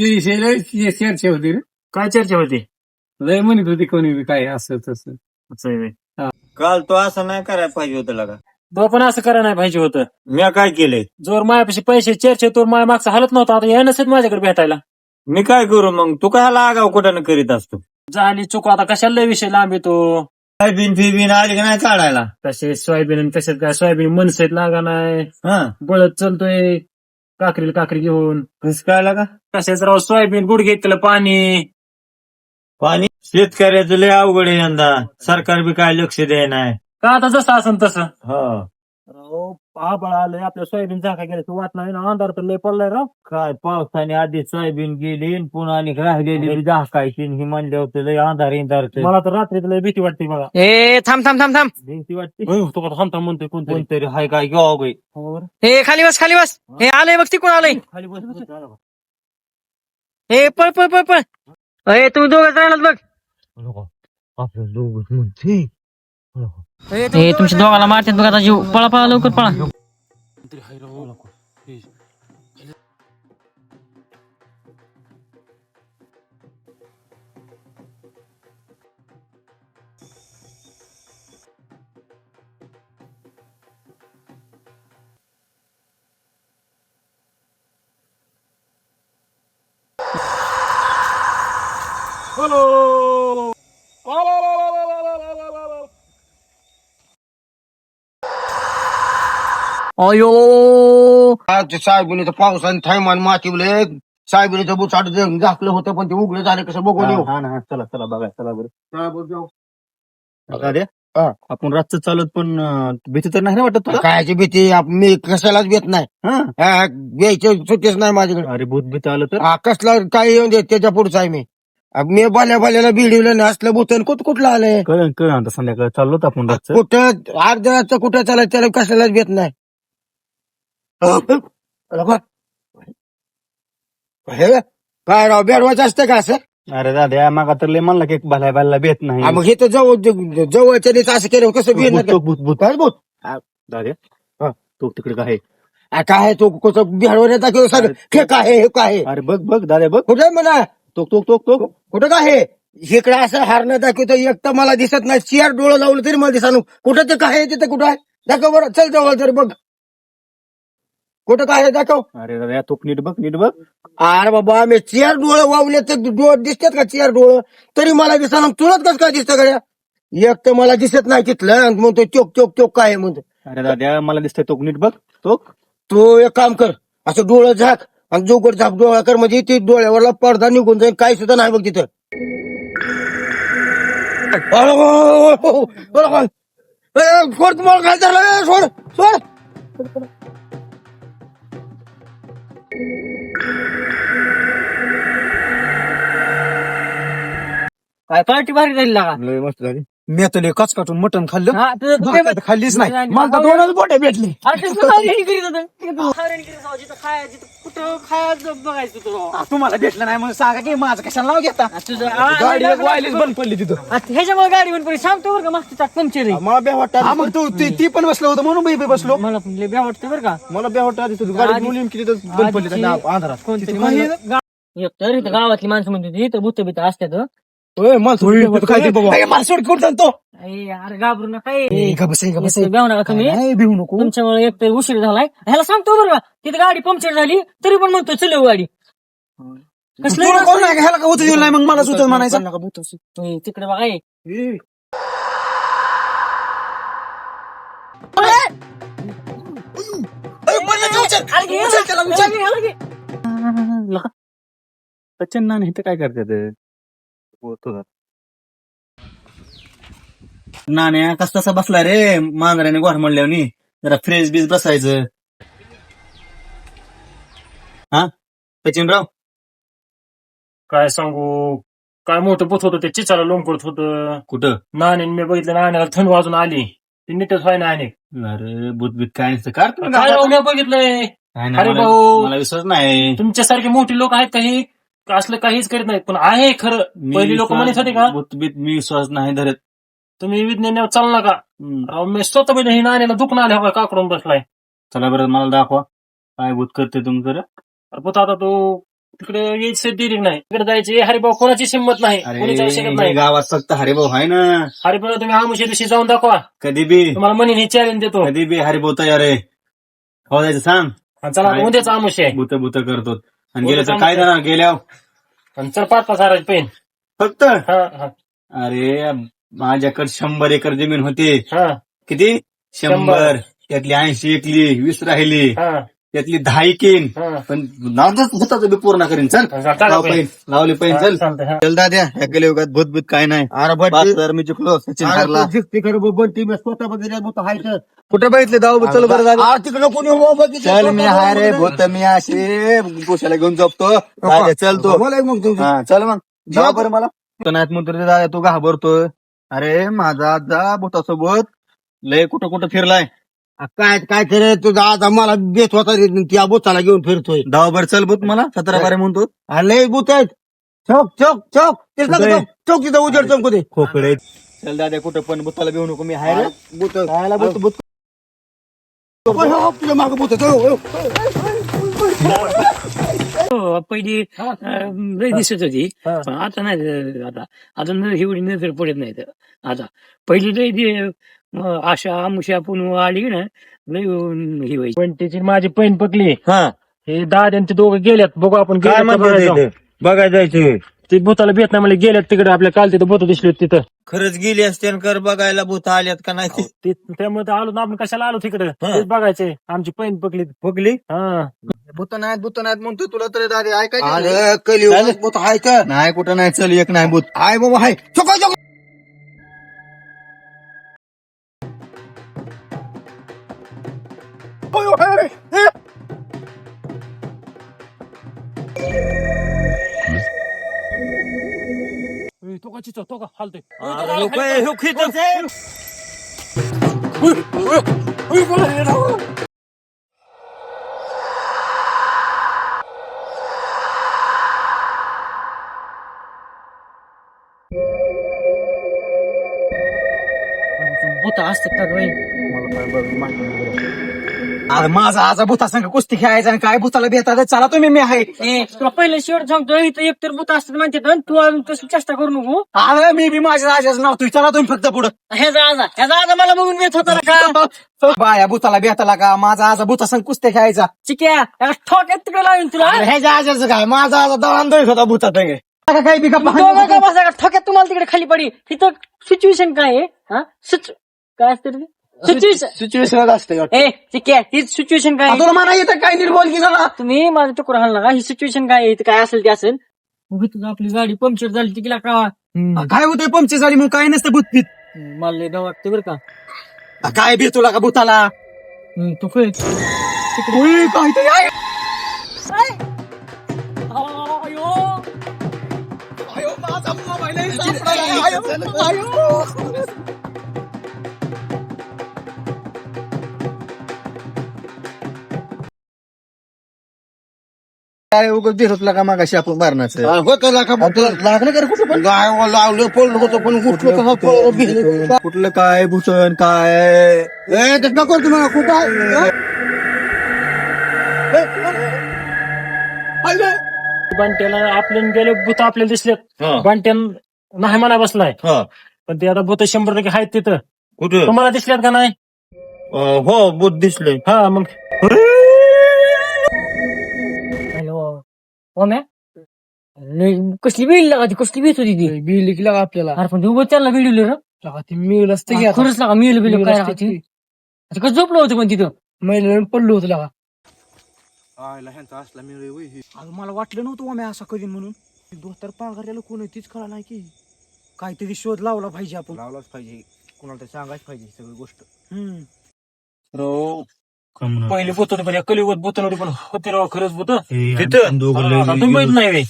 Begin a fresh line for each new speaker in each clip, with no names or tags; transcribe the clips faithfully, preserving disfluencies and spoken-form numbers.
विषय लय चर्चा होती रे.
काय चर्चा होती?
लय म्हणत होती कोणी बी काय असं तसं.
असं आहे व्हय.
काल तो असं नाही करायला पाहिजे होतं लगा.
तो पण असं करा नाही पाहिजे होतं.
मी काय केलंय?
जोर मायापाशी पैसे चर्चे तोर माया मागचा हालत नव्हता, आता या नसेल माझ्याकडे भेटायला.
मी काय करू मग? तू काय आगाव कुठं करीत असतो?
झाली चुक, आता कशाला लय विषय लांब येतो.
सोयाबीन फिबीन आली का नाही काढायला?
कसे सोयाबीन आणि कशात काय सोयाबीन मनसेत लागा नाही,
हा
बळत चलतोय काकरीला काकरी घेऊन.
कसं काय लागा?
कशाच राव सोयाबीन गुडघे त्याला पाणी.
पाणी शेतकऱ्याचं लय अवघड आहे यंदा. सरकार बी काय लक्ष द्याय नाही.
का आता जसं असं तसं
हा
राव. आबाळ आलंय आपल्या सोयाबीन झाका गेल्या वाट नाही ना, अंधार तर लय पडलाय राव.
काय पावसाने आधी सोयाबीन गेली आणि पुन्हा आणि राहिलेली झाकायची ही म्हणले होते लय अंधार इंधार
मला तर रात्रीत लय भीती वाटते बघा.
ए थांब थांब थांब थांब
भीती वाटते. होय, तो का थांबता म्हणतोय कोणतरी.
कोणतरी हाय काय गाव गे.
हो बरं.
हे खाली बस खाली बस. हे आलंय बघ तिकडून आलंय.
खाली बस बस.
हे पळ पळ पळ पळ. अरे तुम्ही दोघंच राहिलात बघ.
आपलं दोघं म्हणते
हे तुमच्या दोघाला मारतात बघ आता जीव. पळा पळा लवकर पळा. अयो
साहेबीने पावसाने थैमान मातीवले साहेबीने बुचाट झाकलं होतं पण ते उघडं झालं कसं बघून येऊ.
हा ना, चला चला बघा चला बरं.
चला बरं जाऊ.
बघा रे.
हा.
आपण रातचं चालत पण अं, भीती तर नाही ना वाटत तुला?
कायची भीती आप- मी कशालाच भेट नाही.
हा.
हा, घ्यायची सुट्टीच नाही माझ्याकडे.
अरे भूत भीत आलं तर
हा, कसला काय येऊन देत त्याच्या पुढचा आहे मी. अब मी बाल्या बाल्याला भिडवलं नाही असलं भूतन कुठ कुठलं आलंय
कळ कळ आता संध्याकाळ चाललो होतो आपण रातचं.
कुठं अर्ध्याचं कुठं चालायचं त्याला कशालाच भेट नाही. हे काय राव बेडवायचं असतं का असं?
अरे दादा मागा तर लय म्हणला की भल्या भल्या भेट नाही.
हा, मग हे तर जवळ जवळच्या दिवस असं केलं कसं
भूत
भेट
तो भूत भूत
काय भूत
दादा
हा.
तो तिकडे काय आहे?
आ, काय आहे तो कसं बिहार येतात किंवा सर हे काय आहे हे काय आहे
अरे बघ बघ दादा बघ.
कुठे म्हणा
तो तो तो तो
कुठं काय आहे इकडे असं हारणं दाखवतो एक तर मला दिसत नाही चियार डोळं लावलं तरी मला दिसानु कुठं ते काय आहे तिथं कुठं आहे दाखव बरं चल जवळ तरी बघ कुठं काय आहे दाखव.
अरे दादा तो नीट बघ नीट बघ.
अरे बाबा आम्ही चियार डोळं वावले तर डोळ दिसतात का चियार डोळं तरी मला दिसानु तुलाच कसं काय दिसतं गड्या एक तर मला दिसत नाही तिथलं आणि म्हणतो चोक चोक चोक काय आहे म्हणतो.
अरे दादा मला दिसतंय तो नीट बघ तो.
तू एक काम कर असं डोळं झाक आणि जोगड झाक डोळा कर म्हणजे ते डोळ्यावरला पडदा निघून जाईल काही सुद्धा नाही बघ तिथं. सोड तुम्हाला काय झालं सोड सोड.
काय पार्टी भारी झाली लागा.
लय मस्त झाली. मी आता लय कच काटून मटण खाल्लं.
हा, तुझं- तुझं-
भाकर तर खाल्लीच नाही. मला तर दोनच बोटे भेटली.
अरे ते तुला हे करीत होतं. खायला करीत होतं. जिथं खाय- जिथं कुठं खायचं बघायचं तुझं.
तुम्हाला भेटलं नाही म्हणून सांगा की माझं कशाला नाव घेता.
तुझं आ-
गाडी
आ-
वायलीच बंद पडली तिथं.
आता ह्याच्यामुळे गाडी बंद पडली. सांगतो बरं का मागचं चाक पंक्चर आहे.
मला बे वाटतं
हा मग तू ती ती पण बसलो होतो म्हणून मी बी बसलो.
मला पण लय भ्या वाटतं बरं का.
मला बे वाटतं आधी तुझी गाडी
आधी-
बोलून की तिथं बंद पडली
आधीची-
त्या अंधारात.
कोणतरी
तिथं
म्हणलं-
काही-
गा- एक तर इथं गावातली माणसं म्हणते होती, इथं भूत बीत असतात हं.
ओय, मला थोडी भेट होतं. काय ते बाबा? ए, मला सोड कुठं तो.
अरे अरे घाबरू नका ए.
ए, का बस, ए, का बस, ए.
इथं भेऊ नका तुम्ही.
नाही, भिवू नको.
तुमच्यामुळे एक तर उशीर झालाय. ह्याला सांगतो बरं का तिथे गाडी पंक्चर झाली तरी पण म्हणतो चलव गाडी. कसलं
तुला कोण नाही का? ह्याला का उचल दिलं नाही मग मला सुचल म्हणायचं.
तुम्ही तिकडे बघा ए.
ए,
अरे घे,
उचल.
ह्याला घे.
सचिन नाना इथं काय करतात? नाण्या कस तसा बसला रे मांजराने गोर म्हणल्यावर जरा फ्रेश बीज बसायचं. हा सचिनराव
काय सांगू, काय मोठं पोत होतं ते चिचाला लोंबकळत होतं.
कुठं?
नाणे मी बघितलं नाण्याला थंड वाजून आली. ती नीटच व्हाय ना आणि
अरे बुतबीत काय नसतं कार
काय राव, मी बघितलंय.
काय नाही,
अरे
मला
भाऊ.
मला विश्वास नाही.
तुमच्यासारखे मोठे लोक आहेत काही असलं काहीच करीत नाहीत पण आहे खरं.
मी
पहिली लोक
विश्वास-
म्हणत होते का
बुतबीत मी विश्वास नाही धरत.
तुम्ही विज्ञानावर चालू नका.
हम्म.
राव मी स्वतः म्हणजे ही नाण्याला दुखणं आले हवा काकडून बसलाय.
चला बरं मला दाखवा काय भूत करते तुमचं.
अरे पुत आता तो तिकडे यायचं दिली नाही तिकडे जायचे हरिभाऊ कोणाची हिंमत नाही कोणीच शकत
अरे
नाही
गावात फक्त हरिभाऊ आहे ना.
हरिभाऊ तुम्ही आमुष्या दिवशी जाऊन दाखवा
कधी बी
तुम्हाला म्हणून हे चॅलेंज देतो
कधी बी हरिभाऊ तयार आहे. हो जायचं सांग.
आणि चला आता उद्याच आमुष्या आहे
बुत बुत करतो आणि गेलं तर काय जाणार गेल्यावर
आणि चल पाच पाच हजाराची पेन
फक्त.
हा हा
अरे माझ्याकडे शंभर एकर जमीन होती.
हा
किती? शंभर. त्यातली ऐंशी एकली, वीस राहिली,
हा
त्यातली दहा एकीन.
हा
पण नावच भूताचं बी पूर्ण करीन. चल
टाका
लाव
पैन.
पैन, लावले पैन. चल
चालतंय, हा.
चल दाद्या ह्या गेले युगात भूत भूत काय नाही.
अरे
पाच तर मी चुकलो. सचिन हारला.
तिकडे बंटी मी स्वतः बघितलं होतं हायचं.
कुठे बघितले दाऊ? चल बरं झालं.
आ, तिकडे कोणी हो बघितलं
चल मी हाय रे भूत मी असे पोशाला घेऊन जपतो. दाद्या, चल तू.
बोलाय मग तुम्ही
हा चल मग जा बरं मला. तो नाहीत म्हणतो रे दादा तू घाबरतोय. अरे माझा आजा भूतासोबत लय कुठं कुठं फिरलाय.
काय काय करे तुझा आता मला बेत होता रे, त्या बोचाला घेऊन फिरतोय.
दहा बर चल भूत मला सतरा बारे म्हणतो.
लय बुत आहेत. चौक चौक चौक तेच ना,
कुठे?
चौक चौक तिथं उजेड चौक दे.
खोकडे. चल दादा कुठं पण भूताला घेऊ नको. मी हाय रे.
बुत
खायला भूत भूत.
तुझ्या मागे बुत
हो, पहिली अं, लय दिसत होती
हा.
पण आता नाही अं, आता आता न- एवढी नजर पडत नाही तर. आता पहिली लय दि- अं, आशा आमुषा पुन्हा आली ना लय अं, ही व्हायची.
पण त्याची माझी पैन पकली
हा
हे दादा आणि ते दोघं गेल्यात बघू आपण
काय
गेल्यात का
म्हणतो
बघायला जाऊ.
बघायला जायचं.
ते भूताला भेट नाही मला गेल्यात तिकडे आपल्या काल तिथं भूत दिसली होती तिथं
खरंच गेली असते कर बघायला भूत आल्यात का नाही.
ते त्यामुळे तर आलो ना आपण कशाला आलो तिकडे तेच बघायचे आमची पैन पकली
बघली
हा
भूत नाहीत भूत नाहीत म्हणतो तुला तर दादा ऐकायचं
अरे कलियुगात बुत हाय का?
नाही कुठं नाही. चल एक नाही भूत.
हाय बाबा हाय. चौक चौक
तो का चिचो तो का हालतोय
भूत असतात का काय?
अरे माझा आजा भूता संग कुस्ती खेळायचा आणि काय भूताला भेटायचं. चला तुम्ही मी आहे.
ए, तुला पहिलं शेवट सांगतो इथं एकतर भूत असतात म्हणतात आणि तू अजून तशी चेष्टा करू नको.
अरे मी बी माझ्या राजाचं नाव तुझी. चला तुम्ही फक्त पुढं.
ह्याचा आजा ह्याचा आजा मला बघून येत होता ना का
बाया भूताला भेटायला का? माझा आजा भूता संग कुस्ती खेळायचा.
चिक्या याला ठोक्यात तिकडे लावून तुला
अरे ह्याच्या आजाचं काय? माझा आजा दळांदळीत होता भूता संग. काही बी
दोघं का बसा का? ठोक्यात तुम्हाला तिकडे खाली पडी. तिथं सिच्युएशन काय आहे हा सिच काय असतं रे सिच्युएशन
सिच्युएशन असते.
ए चिक्या ही सिच्युएशन काय आहे?
तुला म्हणा येतं काय नीट बोल की जरा.
तुम्ही माझं टुकर हाल नका. ही सिच्युएशन काय आहे? इथं काय असेल ते असेल. उगी तुझं आपली गाडी पंक्चर झाली तिला का
काय होतंय पंक्चर झाली मग काय नसतं भूत भीत.
मला लय डाव वाटतं बरं का.
काय भी तुला का भूताला?
हम्म, तू काय
उई, काहीतरी आहे. आयो, माझा मोबाईल आहे, सापडायला. आयो, आयो.
काय उगाच दिसतला का मागाशी आपण मारण्याचं.
होतं लाका भूत.
लागलं का रे कुठं पण?
गाय लावलं पडलं होतं पण उठलं कसं पळलं बिलं.
कुठलं काय भूषण काय
ए ते नको तुम्हाला खूप आहे.
बांट्याला आपल्याला गेले भूत आपल्याला दिसलेत बांट्यान नाही म्हणा बसलाय पण ते आता भूत शंभर टक्के आहेत तिथं
कुठं?
तुम्हाला दिसल्यात का नाही
हो भूत दिसले.
हा मग
हॅलो हो मॅ कसली बिल लागा ती कसली भीत होती ती
बिल लिखला का आपल्याला
अरे पण तू त्याला बिडवलं ना
ती मिळेल असते की आता.
खरंच लागा मिळलं बिल
मिळलं
काय
असतं
राहते
की.
आता कसं झोपलं होतं पण तिथं
महिन्यानं पडलो होतं लागा.
अगं मला वाटलं नव्हतं आम्ही असं करीन म्हणून. दोस्तर पांघरलेलं कोण आहे तीच कळा नाही की. काहीतरी शोध लावला पाहिजे आपण. लावलाच पाहिजे. कोणाला तरी सांगायच पाहिजे सगळी गोष्ट. हम्म
पहिले भूत होते पण कलियुगात भूत नव्हती पण होते राव खरंच भूत
तिथं
तुम्ही माहित नाही व्हय?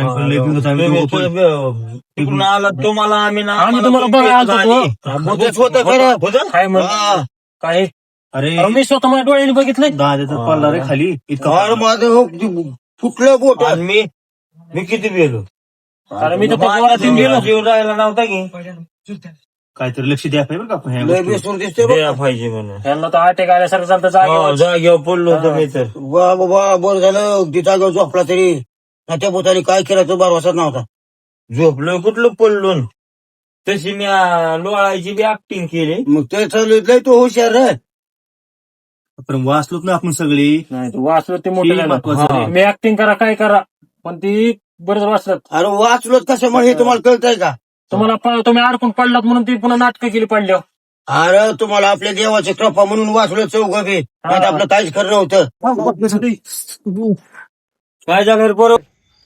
तिकडून आला तुम्हाला आम्ही ना
आम्ही तुम्हाला बघायला आलतो.
भूतच होतं खरं.
काय म्हण काय
अरे
अहो, मी स्वतः माझ्या डोळ्याने बघितलंय
दादाचा पडला रे खाली इतका.
अरे माझं हो, ते फुटलं बोट.
आणि मी मी किती गेलो
अरे मी तर पवारात येऊन गेलो
जीव राहायला नव्हता की. काहीतरी लक्ष द्या पाहिजे बरं का ह्या
लय
गोष्टीवर.
बेसूर दिसते बघ.
द्या पाहिजे म्हणून.
यांना तर अटॅक आल्यासारखं चालतं जागेवर
जागेवर पडलो होतो मी तर.
वा बाबा बरं झालं तिचा गाव झोपला तरी. ना त्या भूताने काय केलं तो भरवसाच नव्हता.
झोपलो कुठलं पडलो न. तशी मी आ, लोळायची बी ऍक्टिंग केली.
मग ते लय तो हुशार रे.
पण वाचलोच ना आपण सगळी.
नाही तू वाचलं ते मोठं
हे
झालं.
महत्वाचं
हा.
आहे.
मी ऍक्टिंग करा काय करा पण ती बरंच वाचलं.
अरे वाचलो कशामुळे हे तुम्हाला कळतंय का?
तुम्हाला प- तुम्ही अडकून पडलात म्हणून ती पुन्हा नाटकं केली पडल्यावर.
अरे तुम्हाला आपल्या देवाची कृपा म्हणून वाचलो चौघ बी. नाही तर आपलं काहीच खरं नव्हतं.
काय झालं रे बरोबर.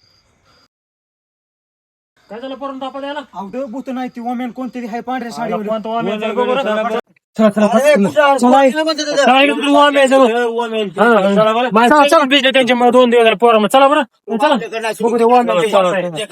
काय झालं परत दापा द्यायला
अवघड भूत नाही ती ओमेन कोणतरी हाय पांढऱ्या
साडी
साडीवर.
कोणतं वाम्या आहे बघ बरं.
अरे, कुठं वाचलं म्हणते ते?
चला इकडे वाम्या आहे जवळ. हा. माझं चला भिजले त्यांच्यामुळे दोन दिवस झाले पोरामुळे. चला बरं चला बघू ते वाम्या.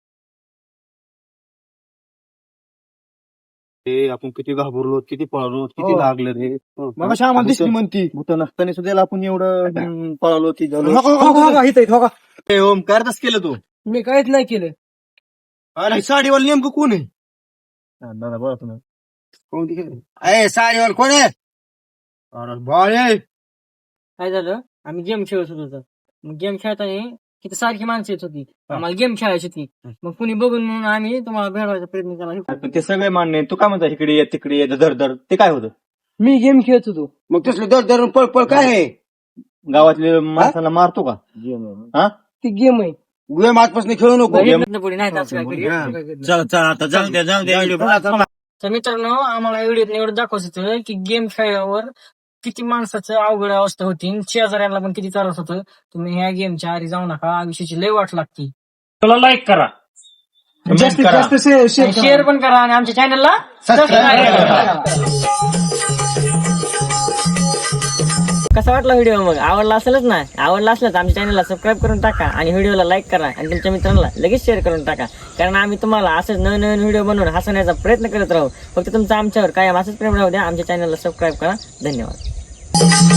ते आपण किती घाबरलो किती पळालो किती
हो.
लागलं रे.
मग अशी आम्हाला दिसली म्हणती.
भूत नसताना सुद्धा आपण एवढं हम्म, पळालो ती झालो.
नको, नको, नको, इथं, इथं, नको.
ए, ओम काय तसं केलं तू?
मी काहीच नाही केलं.
अरे साडीवर नेमकं कोण आहे? हा, दादा बोला तुम्ही. कोणती केली?
ए साडीवर कोण आहे?
अरे बाळे.
काय झालं आम्ही गेम खेळत होतो. मग गेम खेळताना तिथे सारखी माणसं येत होती. आम्हाला गेम खेळायची होती. मग कुणी बघून म्हणून आम्ही तुम्हाला भेटवायचा प्रयत्न केला.
पण ते सगळे मान्य आहे. तू काय म्हणता इकडे ये तिकडे ये धर धर ते काय होतं?
मी गेम खेळत होतो.
मग तसलं दर धरून पळ पळ काय आहे?
गावातले माणसाला मारतो का? हा
ती गेम आहे.
गेम आजपासून खेळू नको.
पुढे नाही असं काय करू.
चल चल आता जाऊ द्या जाऊ द्या.
तर मित्रांनो आम्हाला व्हिडिओत एवढं दाखवायचं होतं की गेम खेळल्यावर किती माणसाचं अवघड अवस्था होती. शेजाऱ्यांना पण किती त्रास होतं. तुम्ही ह्या गेमच्या आधी जाऊ नका. आयुष्याची लय वाट लागती.
तुला लाईक करा.
जास्तीत जास्त
शेअर पण करा आणि आमच्या चॅनलला सबस्क्राईब करा. कसा वाटला व्हिडिओ मग आवडला असेलच ना. आवडला असल्यास आमच्या चॅनलला सबस्क्राईब करून टाका आणि व्हिडिओला लाईक करा आणि तुमच्या मित्रांना लगेच शेअर करून टाका. कारण आम्ही तुम्हाला असंच नवीन नवीन व्हिडिओ बनवून हसवण्याचा प्रयत्न करत राहू. फक्त तुमचं आमच्यावर कायम असंच प्रेम राहू द्या. आमच्या चॅनलला सबस्क्राईब करा. धन्यवाद.